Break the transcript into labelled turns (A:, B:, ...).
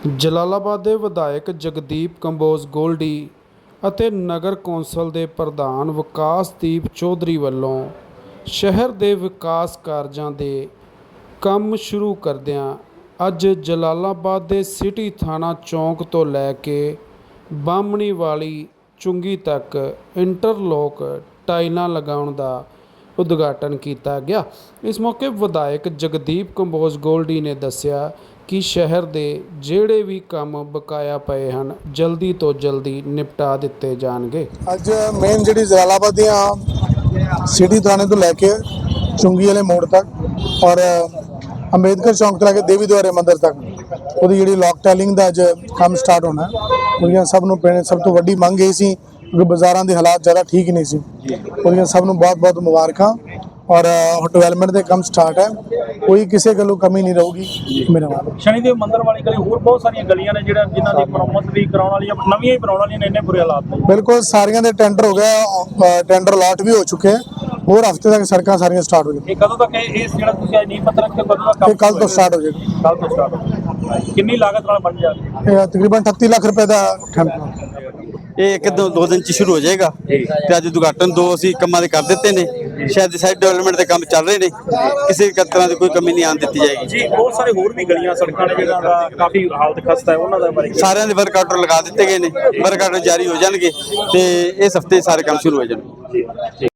A: ਜਲਾਲਾਬਾਦ ਦੇ ਵਿਧਾਇਕ ਜਗਦੀਪ ਕੰਬੋਜ ਗੋਲਡੀ ਅਤੇ ਨਗਰ ਕੌਂਸਲ ਦੇ ਪ੍ਰਧਾਨ ਵਿਕਾਸਦੀਪ ਚੌਧਰੀ ਵੱਲੋਂ ਸ਼ਹਿਰ ਦੇ ਵਿਕਾਸ ਕਾਰਜਾਂ ਦੇ ਕੰਮ ਸ਼ੁਰੂ ਕਰਦਿਆਂ ਅੱਜ ਜਲਾਲਾਬਾਦ ਦੇ ਸਿਟੀ ਥਾਣਾ ਚੌਂਕ ਤੋਂ ਲੈ ਕੇ ਬਾਹਮਣੀ ਵਾਲੀ ਚੁੰਗੀ ਤੱਕ ਇੰਟਰਲੋਕ ਟਾਈਲਾਂ ਲਗਾਉਣ ਦਾ ਉਦਘਾਟਨ ਕੀਤਾ ਗਿਆ। ਇਸ ਮੌਕੇ ਵਿਧਾਇਕ ਜਗਦੀਪ ਕੰਬੋਜ ਗੋਲਡੀ ਨੇ ਦੱਸਿਆ ਕਿ ਸ਼ਹਿਰ ਦੇ ਜਿਹੜੇ ਵੀ ਕੰਮ ਬਕਾਇਆ ਪਏ ਹਨ ਜਲਦੀ ਤੋਂ ਜਲਦੀ ਨਿਪਟਾ ਦਿੱਤੇ ਜਾਣਗੇ।
B: ਅੱਜ ਮੇਨ ਜਿਹੜੀ ਜਲਾਲਾਬਾਦ ਦੀਆਂ ਸਿਟੀ ਥਾਣੇ ਤੋਂ ਲੈ ਕੇ ਚੁੰਗੀ ਵਾਲੇ ਮੋੜ ਤੱਕ ਔਰ ਅੰਬੇਦਕਰ ਚੌਂਕ ਤੋਂ ਲੈ ਕੇ ਦੇਵੀ ਦੁਆਰੇ ਮੰਦਿਰ ਤੱਕ ਉਹਦੀ ਜਿਹੜੀ ਲੌਕ ਟੈਲਿੰਗ ਦਾ ਅੱਜ ਕੰਮ ਸਟਾਰਟ ਹੋਣਾ। ਉਹਦੀਆਂ ਸਭ ਨੂੰ ਸਭ ਤੋਂ ਵੱਡੀ ਮੰਗ ਇਹ ਸੀ ਕਿਉਂਕਿ ਬਾਜ਼ਾਰਾਂ ਦੇ ਹਾਲਾਤ ਜ਼ਿਆਦਾ ਠੀਕ ਨਹੀਂ ਸੀ। ਉਹਦੀਆਂ ਸਭ ਨੂੰ ਬਹੁਤ ਬਹੁਤ ਮੁਬਾਰਕਾਂ और डेवलपमेंट के काम स्टार्ट है, कोई किसी गलों कमी नहीं रहूगी। मेरे वाल
C: शनिदेव मंदिर वाली गली होर बहुत सारी गलियां ने जिन्हां दी मरम्मत भी कराउण वाली नवीं ही बनाउण वाली ने, इन्ने बुरे हालात ने।
B: बिल्कुल सारियां दे टेंडर हो गए, टेंडर अलॉट भी हो चुके हैं और हफ्ते तक सड़कां सारियां स्टार्ट हो जाएगी।
C: कदों तक इस जेड़ा तुसीं आज नींह पत्थर रखे कदों तक
B: कल तो स्टार्ट हो जाएगी।
C: कल तो स्टार्ट हो कितनी लागत नाल बन जाएगी?
B: तकरीबन 38 लाख रुपए का टेंडर
D: ਇਹ ਇੱਕ ਦੋ ਦਿਨ ਚ ਸ਼ੁਰੂ ਹੋ ਜਾਏਗਾ ਤੇ ਅੱਜ ਉਦਘਾਟਨ ਦੋ ਅਸੀਂ ਕੰਮਾਂ ਦੇ ਕਰ ਦਿੱਤੇ ਨੇ। ਸ਼ਾਇਦ ਸਾਈਡ ਡਿਵੈਲਪਮੈਂਟ ਦੇ ਕੰਮ ਚੱਲ ਰਹੇ ਨੇ, ਕਿਸੇ ਤਰ੍ਹਾਂ ਦੀ ਕੋਈ ਕਮੀ ਨਹੀਂ ਆਉਣ ਦਿੱਤੀ ਜਾਏਗੀ
C: ਜੀ। ਬਹੁਤ ਸਾਰੇ ਹੋਰ ਵੀ ਗਲੀਆਂ ਸੜਕਾਂ ਨੇ ਜਿਹੜਾ ਦਾ ਕਾਫੀ ਹਾਲਤ ਖਸਤਾ ਹੈ, ਉਹਨਾਂ ਦਾ ਬਾਰੇ
D: ਸਾਰਿਆਂ ਦੇ ਵਰਕ ਆਰਡਰ ਲਗਾ ਦਿੱਤੇ ਗਏ ਨੇ। ਵਰਕ ਆਰਡਰ ਜਾਰੀ ਹੋ ਜਾਣਗੇ ਤੇ ਇਸ ਹਫਤੇ ਸਾਰੇ ਕੰਮ ਸ਼ੁਰੂ ਹੋ ਜਾਣਗੇ।